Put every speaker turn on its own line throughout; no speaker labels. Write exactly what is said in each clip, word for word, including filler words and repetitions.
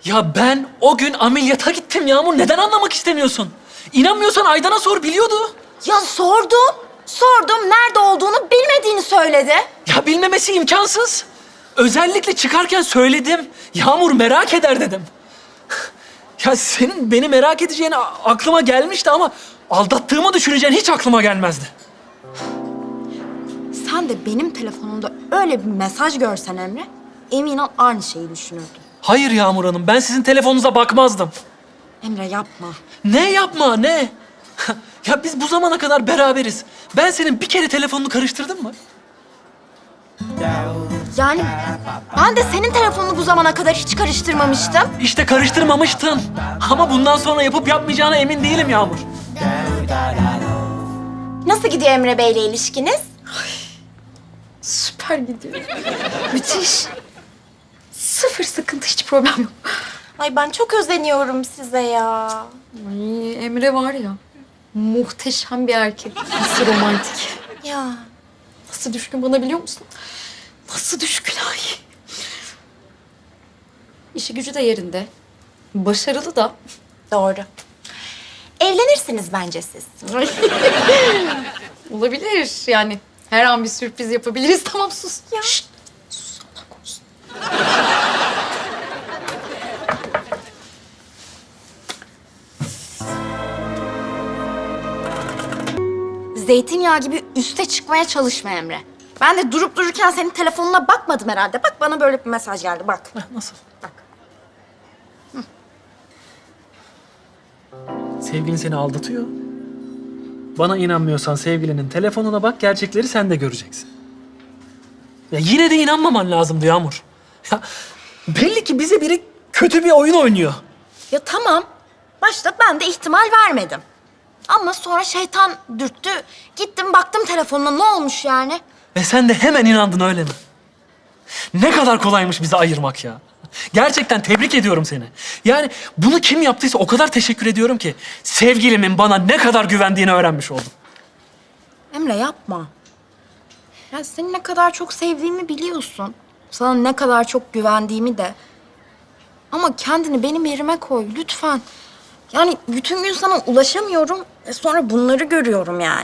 Ya ben o gün ameliyata gittim Yağmur. Neden anlamak istemiyorsun? İnanmıyorsan Aydan'a sor, biliyordu.
Ya sordum. Sordum. Nerede olduğunu bilmediğini söyledi.
Ya bilmemesi imkansız. Özellikle çıkarken söyledim. Yağmur merak eder dedim. Ya senin beni merak edeceğini a- aklıma gelmişti ama aldattığımı düşüneceğin hiç aklıma gelmezdi.
Sen de benim telefonumda öyle bir mesaj görsen Emre, emin ol aynı şeyi düşünürdün.
Hayır Yağmur Hanım, ben sizin telefonunuza bakmazdım.
Emre yapma.
Ne yapma, ne? Ya biz bu zamana kadar beraberiz. Ben senin bir kere telefonunu karıştırdım mı?
Yani ben de senin telefonunu bu zamana kadar hiç karıştırmamıştım.
İşte karıştırmamıştın. Ama bundan sonra yapıp yapmayacağına emin değilim Yağmur.
Nasıl gidiyor Emre Bey'le ilişkiniz?
Süper gidiyor. Müthiş. Sıfır sıkıntı, hiç problem yok.
Ay ben çok özeniyorum size ya.
Ay, Emre var ya, muhteşem bir erkek. Nasıl romantik.
Ya
Nasıl düşkün bana, biliyor musun? Nasıl düşkün ay. İşi gücü de yerinde. Başarılı da.
doğru. Evlenirsiniz bence siz.
Olabilir yani. Her an bir sürpriz yapabiliriz. Tamam sus.
Ya.
Şşt. Sus, Allah korusun.
Zeytinyağı gibi üste çıkmaya çalışma Emre. Ben de durup dururken senin telefonuna bakmadım herhalde. Bak bana böyle bir mesaj geldi bak.
Heh, nasıl?
Bak.
Sevgilin seni aldatıyor. Bana inanmıyorsan sevgilinin telefonuna bak, gerçekleri sen de göreceksin. Ya yine de inanmaman lazımdı Yağmur. Ya belli ki bize biri kötü bir oyun oynuyor.
Ya tamam. Başta ben de ihtimal vermedim. Ama sonra şeytan dürttü. Gittim baktım telefonuna, ne olmuş yani?
Ve sen de hemen inandın, öyle mi? Ne kadar kolaymış bizi ayırmak ya. Gerçekten tebrik ediyorum seni. Yani bunu kim yaptıysa o kadar teşekkür ediyorum ki sevgilimin bana ne kadar güvendiğini öğrenmiş oldum.
Emre yapma. Ya seni ne kadar çok sevdiğimi biliyorsun. Sana ne kadar çok güvendiğimi de. Ama kendini benim yerime koy lütfen. Yani bütün gün sana ulaşamıyorum. E sonra bunları görüyorum yani.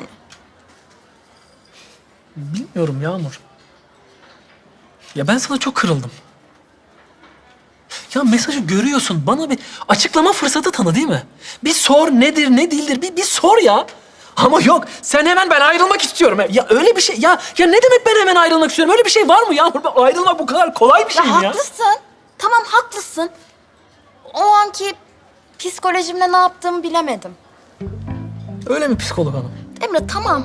Bilmiyorum Yağmur. Ya ben sana çok kırıldım. Ya mesajı görüyorsun. Bana bir açıklama fırsatı tanı, değil mi? Bir sor, nedir, ne değildir. Bir, bir sor ya. Ama yok. Sen hemen ben ayrılmak istiyorum. Ya öyle bir şey. Ya ya ne demek ben hemen ayrılmak istiyorum? Öyle bir şey var mı Yağmur? Ben- Ayrılmak bu kadar kolay bir şey
Ya
mi ya?
haklısın. Tamam haklısın. O anki psikolojimle ne yaptığımı bilemedim.
Öyle mi psikolog hanım?
Emre tamam.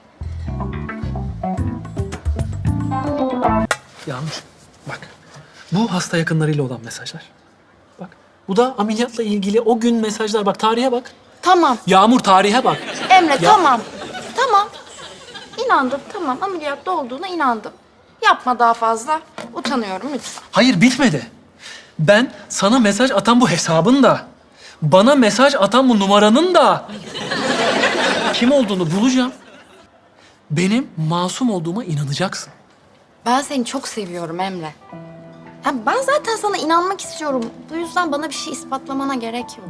Yağmur bak. Bu hasta yakınlarıyla olan mesajlar. Bak. Bu da ameliyatla ilgili o gün mesajlar. Bak tarihe bak.
Tamam.
Yağmur tarihe bak.
Emre
Ya-
tamam. Tamam. İnandım tamam. Ameliyatta olduğuna inandım. Yapma daha fazla. Utanıyorum lütfen.
Hayır bitmedi. Ben sana mesaj atan bu hesabın da, bana mesaj atan bu numaranın da kim olduğunu bulacağım. Benim masum olduğuma inanacaksın.
Ben seni çok seviyorum Emre. Ya ben zaten sana inanmak istiyorum. Bu yüzden bana bir şey ispatlamana gerek yok.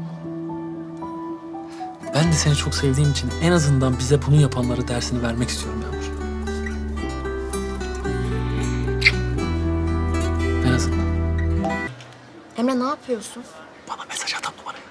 Ben de seni çok sevdiğim için en azından bize bunu yapanlara dersini vermek istiyorum Yağmur. En azından.
Emre ne yapıyorsun?
Bana mesaj atan numarayı.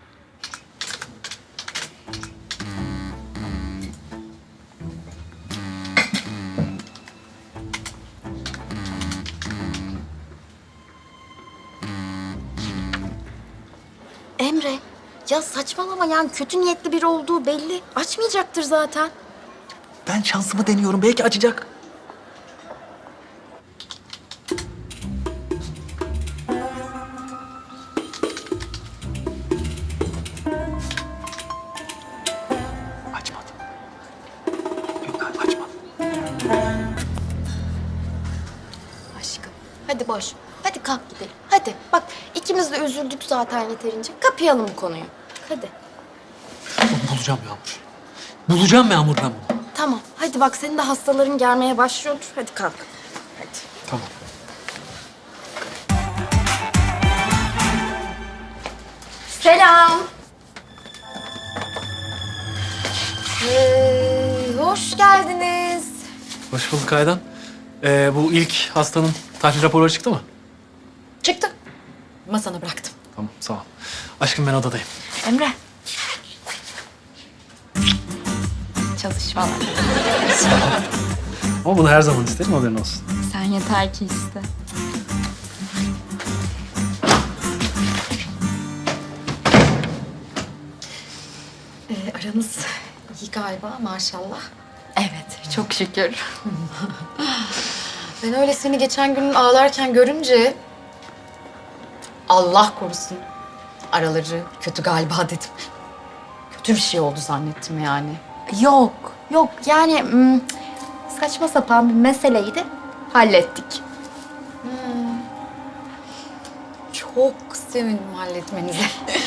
Emre, ya saçmalama yani kötü niyetli biri olduğu belli. Açmayacaktır zaten.
Ben şansımı deniyorum. Belki açacak. Açmadı. Yok galiba açmadı.
Aşkım, hadi boş. Hadi kalk gidelim. Hadi. Bak ikimiz de üzüldük zaten yeterince. Kapayalım bu konuyu. Hadi.
Onu bulacağım Yağmur. Bulacağım Yağmur ben bunu.
Tamam. Hadi bak senin de hastaların gelmeye başlıyordur. Hadi kalk. Hadi.
Tamam.
Selam. Ee, hoş geldiniz.
Hoş bulduk Aydan. Ee, bu ilk hastanın tahlil raporu çıktı mı?
Çıktı. Masana bıraktım.
Tamam, sağ ol. Aşkım ben odadayım.
Emre. Çalış falan.
Ama bunu her zaman isterim, haberin olsun.
Sen yeter ki iste.
Ee, aranız iyi galiba maşallah.
Evet, çok şükür.
Ben öyle seni geçen gün ağlarken görünce... Allah korusun. Araları kötü galiba dedim. Kötü bir şey oldu zannettim yani.
Yok, yok yani hmm, saçma sapan bir meseleydi. Hallettik.
Çok sevindim halletmenize.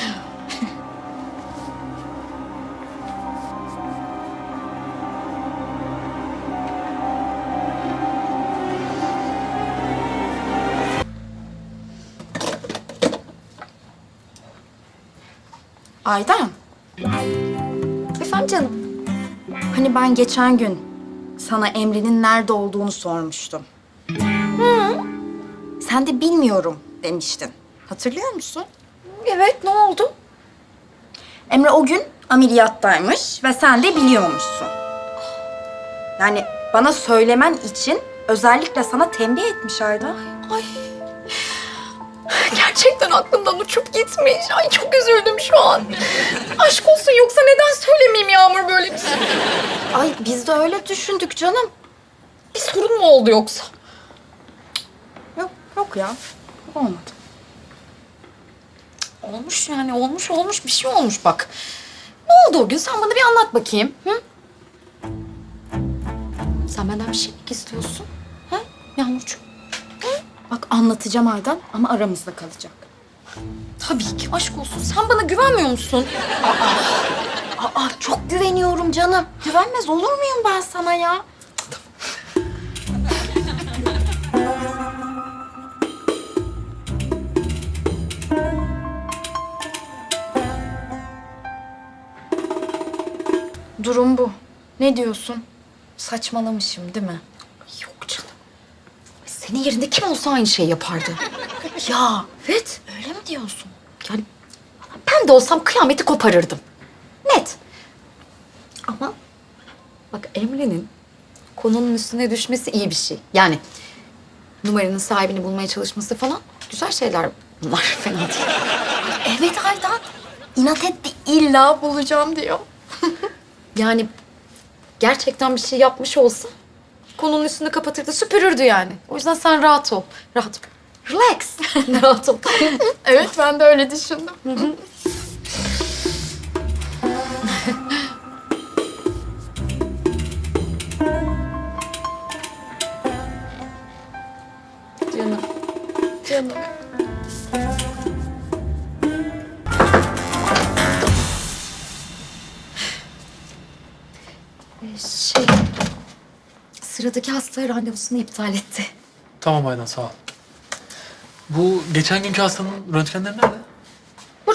Aydan,
Efendim canım.
hani ben geçen gün sana Emre'nin nerede olduğunu sormuştum. Hı. Sen de bilmiyorum demiştin. Hatırlıyor musun?
Evet, ne oldu?
Emre o gün ameliyattaymış ve sen de biliyormuşsun. Yani bana söylemen için özellikle sana tembih etmiş Aydan.
Ay. Gerçekten aklımdan uçup gitmiş. Ay çok üzüldüm şu an. Aşk olsun, yoksa neden söylemeyeyim Yağmur böyle bir şey?
Ay biz de öyle düşündük canım.
Bir sorun mu oldu yoksa?
Yok, yok ya. Olmadı.
Olmuş yani, olmuş olmuş bir şey olmuş bak. Ne oldu o gün? Sen bana bir anlat bakayım. Hı? Sen benden bir şey mi istiyorsun? Ha? Yağmurcuğum.
Bak anlatacağım Aydan ama aramızda kalacak.
Tabii ki, aşk olsun. Sen bana güvenmiyor musun?
Aa çok güveniyorum canım. Güvenmez olur muyum ben sana ya? Durum bu. Ne diyorsun? Saçmalamışım değil mi?
Yok canım. Senin yerinde kim olsa aynı şeyi yapardı.
Ya
Evet.
öyle mi diyorsun?
Yani ben de olsam kıyameti koparırdım. Net. Ama bak, Emre'nin konunun üstüne düşmesi iyi bir şey. Yani numaranın sahibini bulmaya çalışması falan güzel şeyler bunlar. Fena değil.
Evet Aydan. İnat etti illa bulacağım diyor.
Yani gerçekten bir şey yapmış olsa konunun üstünü kapatırdı, süpürürdü yani. O yüzden sen rahat ol. Rahat ol. Relax. Rahat ol.
Evet ben de öyle düşündüm.
Canım. Canım. Ee, Şey, sıradaki hasta randevusunu iptal etti.
Tamam Aydan, sağ ol. Bu geçen günkü hastanın röntgenleri nerede?
Burada.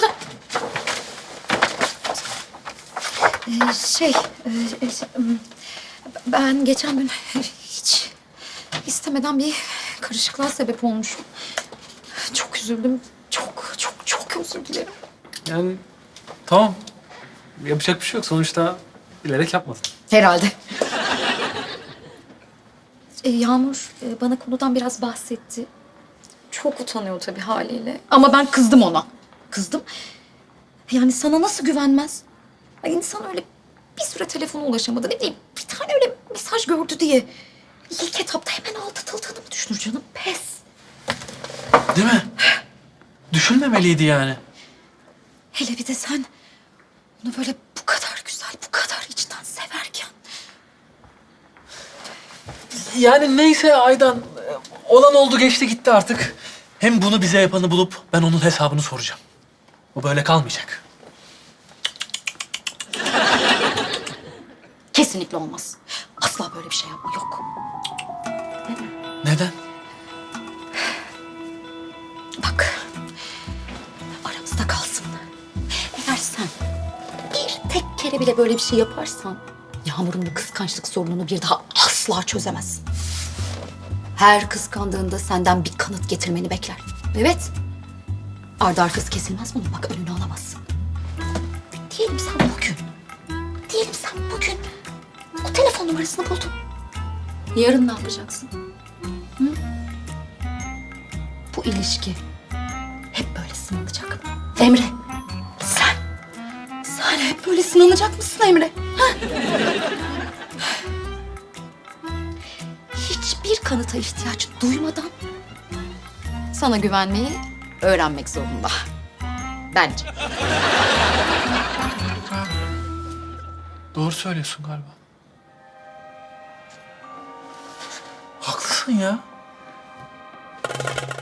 Ee, şey, e, e, şey, m, ben geçen gün hiç istemeden bir karışıklığa sebep olmuşum. Çok üzüldüm. Çok, çok, çok özür dilerim.
Yani tamam. Yapacak bir şey yok. Sonuçta bilerek yapmadın.
Herhalde. Ee, Yağmur e, bana konudan biraz bahsetti. Çok utanıyor tabii haliyle. Ama ben kızdım ona. Kızdım. Yani sana nasıl güvenmez? Ay, insan öyle bir süre telefona ulaşamadı. Ne bileyim, bir tane öyle mesaj gördü diye. İlk etapta hemen aldatıldığını mı düşünür canım? Pes.
Değil mi? Düşünmemeliydi yani.
Hele bir de sen onu böyle bu kadar güzel, bu kadar içten severken.
Yani neyse Aydan. Olan oldu, geçti gitti artık. Hem bunu bize yapanı bulup ben onun hesabını soracağım. Bu böyle kalmayacak.
Kesinlikle olmaz. Asla böyle bir şey yapma, yok.
Neden?
Bak, aramızda kalsın. kere bile böyle bir şey yaparsan Yağmur'un bu kıskançlık sorununu bir daha asla çözemezsin. Her kıskandığında senden bir kanıt getirmeni bekler. Evet. Ardı arkası kesilmez bunun. Bak önünü alamazsın. Diyelim sen bugün, diyelim sen bugün o telefon numarasını buldun. Yarın ne yapacaksın? Hı? Bu ilişki hep böyle sınanacak. Emre, sen, sen hep böyle sınanacak mısın Emre? Ha? Hiçbir kanıta ihtiyaç duymadan sana güvenmeyi öğrenmek zorunda. Bence.
Doğru söylüyorsun galiba. Haklısın ya.